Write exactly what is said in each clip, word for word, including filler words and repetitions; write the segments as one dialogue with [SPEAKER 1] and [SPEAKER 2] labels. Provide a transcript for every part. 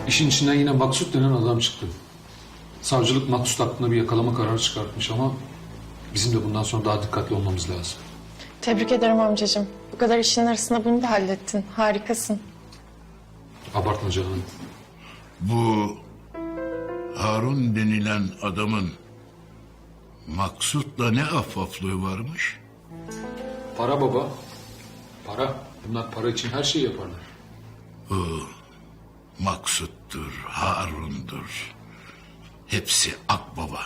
[SPEAKER 1] İşin içinden yine Maksut denen adam çıktı. Savcılık Maksut hakkında bir yakalama kararı çıkartmış ama bizim de bundan sonra daha dikkatli olmamız lazım.
[SPEAKER 2] Tebrik ederim amcacığım. Bu kadar işin arasında bunu da hallettin. Harikasın.
[SPEAKER 1] Abartma canım.
[SPEAKER 3] Bu Harun denilen adamın Maksut'la ne affaflığı varmış?
[SPEAKER 1] Para baba. Para. Bunlar para için her şeyi yaparlar.
[SPEAKER 3] Maksut'tur, Harun'dur. Hepsi akbaba.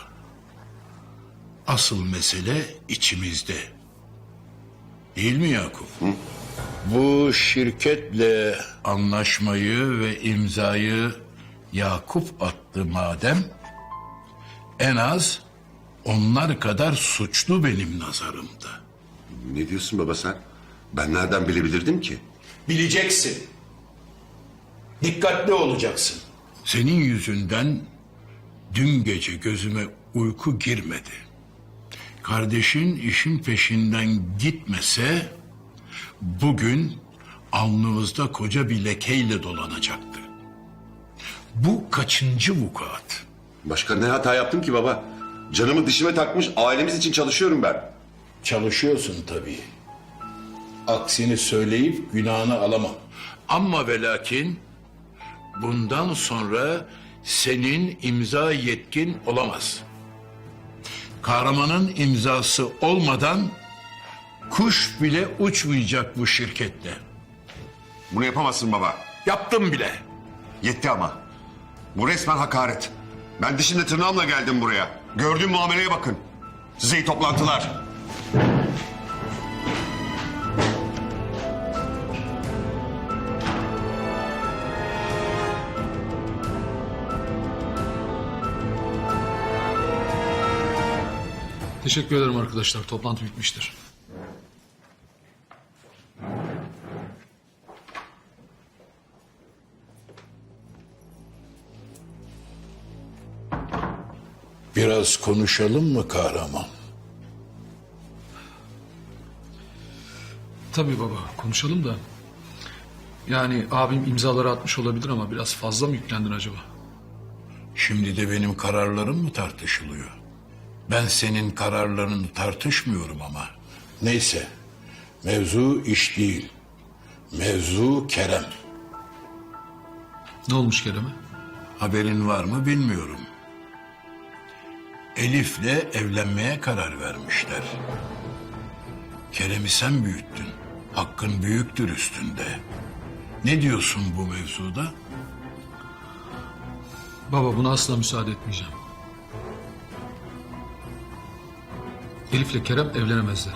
[SPEAKER 3] Asıl mesele içimizde. Değil mi Yakup? Hı? Bu şirketle anlaşmayı ve imzayı Yakup attı madem, en az onlar kadar suçlu benim nazarımda.
[SPEAKER 4] Ne diyorsun baba sen? Ben nereden bilebilirdim ki?
[SPEAKER 3] Bileceksin. Dikkatli olacaksın. Senin yüzünden dün gece gözüme uyku girmedi. Kardeşin işin peşinden gitmese bugün alnımızda koca bir lekeyle dolanacaktı. Bu kaçıncı vukuat?
[SPEAKER 4] Başka ne hata yaptım ki baba? Canımı dişime takmış, ailemiz için çalışıyorum ben.
[SPEAKER 3] Çalışıyorsun tabii. Aksini söyleyip günahını alamam. Ama ve lakin bundan sonra senin imza yetkin olamaz. Kahramanın imzası olmadan kuş bile uçmayacak bu şirketle.
[SPEAKER 4] Bunu yapamazsın baba.
[SPEAKER 3] Yaptım bile.
[SPEAKER 4] Yetti ama. Bu resmen hakaret. Ben dişimle tırnağımla geldim buraya. Gördüğüm muameleye bakın. Size iyi toplantılar.
[SPEAKER 1] Teşekkür ederim arkadaşlar. Toplantı bitmiştir.
[SPEAKER 3] Biraz konuşalım mı kahraman?
[SPEAKER 1] Tabii baba, konuşalım da. Yani abim imzaları atmış olabilir ama biraz fazla mı yüklendin acaba?
[SPEAKER 3] Şimdi de benim kararlarım mı tartışılıyor? Ben senin kararlarını tartışmıyorum ama. Neyse, mevzu iş değil. Mevzu Kerem.
[SPEAKER 1] Ne olmuş Kerem'e?
[SPEAKER 3] Haberin var mı bilmiyorum. Elif'le evlenmeye karar vermişler. Kerem'i sen büyüttün. Hakkın büyüktür üstünde. Ne diyorsun bu mevzuda?
[SPEAKER 1] Baba buna asla müsaade etmeyeceğim. Elif'le Kerem evlenemezler.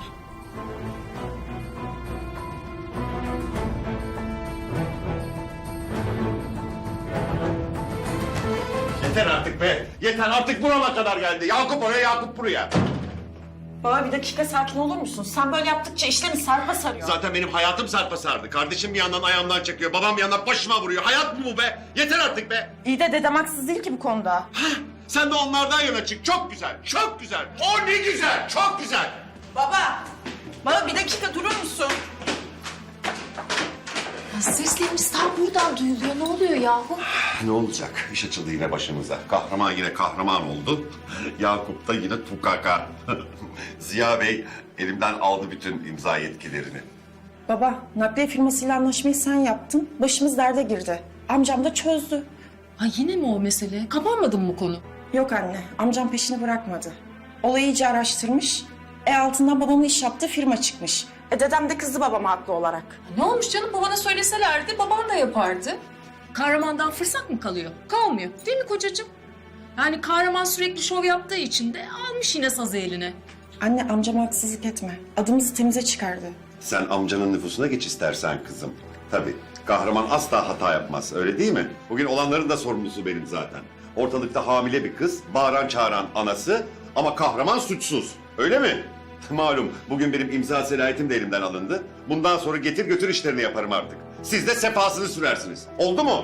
[SPEAKER 4] Yeter artık be. Yeter artık burama kadar geldi. Yakup oraya, Yakup buraya.
[SPEAKER 5] Baba bir dakika sakin olur musun? Sen böyle yaptıkça işlemi sarpa sarıyor.
[SPEAKER 4] Zaten benim hayatım sarpa sardı. Kardeşim bir yandan ayağımdan çekiyor. Babam bir yandan başıma vuruyor. Hayat mı bu be? Yeter artık be.
[SPEAKER 5] İyi de dedem haksız değil ki bu konuda.
[SPEAKER 4] Sen de onlardan yana çık. Çok güzel, çok güzel. O ne güzel, çok güzel.
[SPEAKER 5] Baba! Baba bir dakika durur musun?
[SPEAKER 6] Ya seslerimiz tam buradan duyuluyor. Ne oluyor yahu?
[SPEAKER 4] Ne olacak? İş açıldı yine başımıza. Kahraman yine kahraman oldu. Yakup da yine tukaka. Ziya Bey elimden aldı bütün imza yetkilerini.
[SPEAKER 5] Baba nakliye firmasıyla anlaşmayı sen yaptın. Başımız derde girdi. Amcam da çözdü.
[SPEAKER 6] Ha yine mi o mesele? Kapanmadı mı bu konu?
[SPEAKER 5] Yok anne, amcam peşini bırakmadı. Olayı iyice araştırmış. E altından babamın iş yaptığı firma çıkmış. E dedem de kızdı babama haklı olarak.
[SPEAKER 6] Ne olmuş canım? Babana söyleselerdi baban da yapardı. Kahramandan fırsat mı kalıyor? Kalmıyor. Değil mi kocacığım? Yani kahraman sürekli şov yaptığı için de almış yine sazı eline.
[SPEAKER 5] Anne amcama haksızlık etme. Adımızı temize çıkardı.
[SPEAKER 4] Sen amcanın nüfusuna geç istersen kızım. Tabii kahraman asla hata yapmaz öyle değil mi? Bugün olanların da sorumlusu benim zaten. Ortalıkta hamile bir kız, bağıran çağıran anası ama kahraman suçsuz. Öyle mi? Malum bugün benim imza selahiyetim de elimden alındı. Bundan sonra getir götür işlerini yaparım artık. Siz de sefasını sürersiniz. Oldu mu?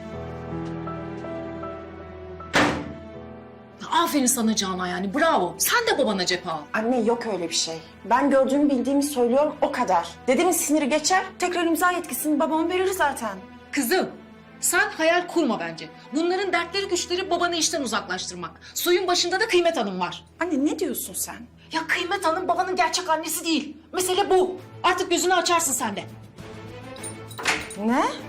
[SPEAKER 6] Aferin sana Canan yani bravo. Sen de babana cephe al.
[SPEAKER 5] Anne yok öyle bir şey. Ben gördüğümü bildiğimi söylüyorum o kadar. Dedemin siniri geçer, tekrar imza yetkisini babama verir zaten.
[SPEAKER 6] Kızım Sen hayal kurma bence. Bunların dertleri güçleri babanı işten uzaklaştırmak. Suyun başında da Kıymet Hanım var.
[SPEAKER 5] Anne ne diyorsun sen?
[SPEAKER 6] Ya Kıymet Hanım babanın gerçek annesi değil. Mesele bu. Artık gözünü açarsın sen de.
[SPEAKER 5] Ne?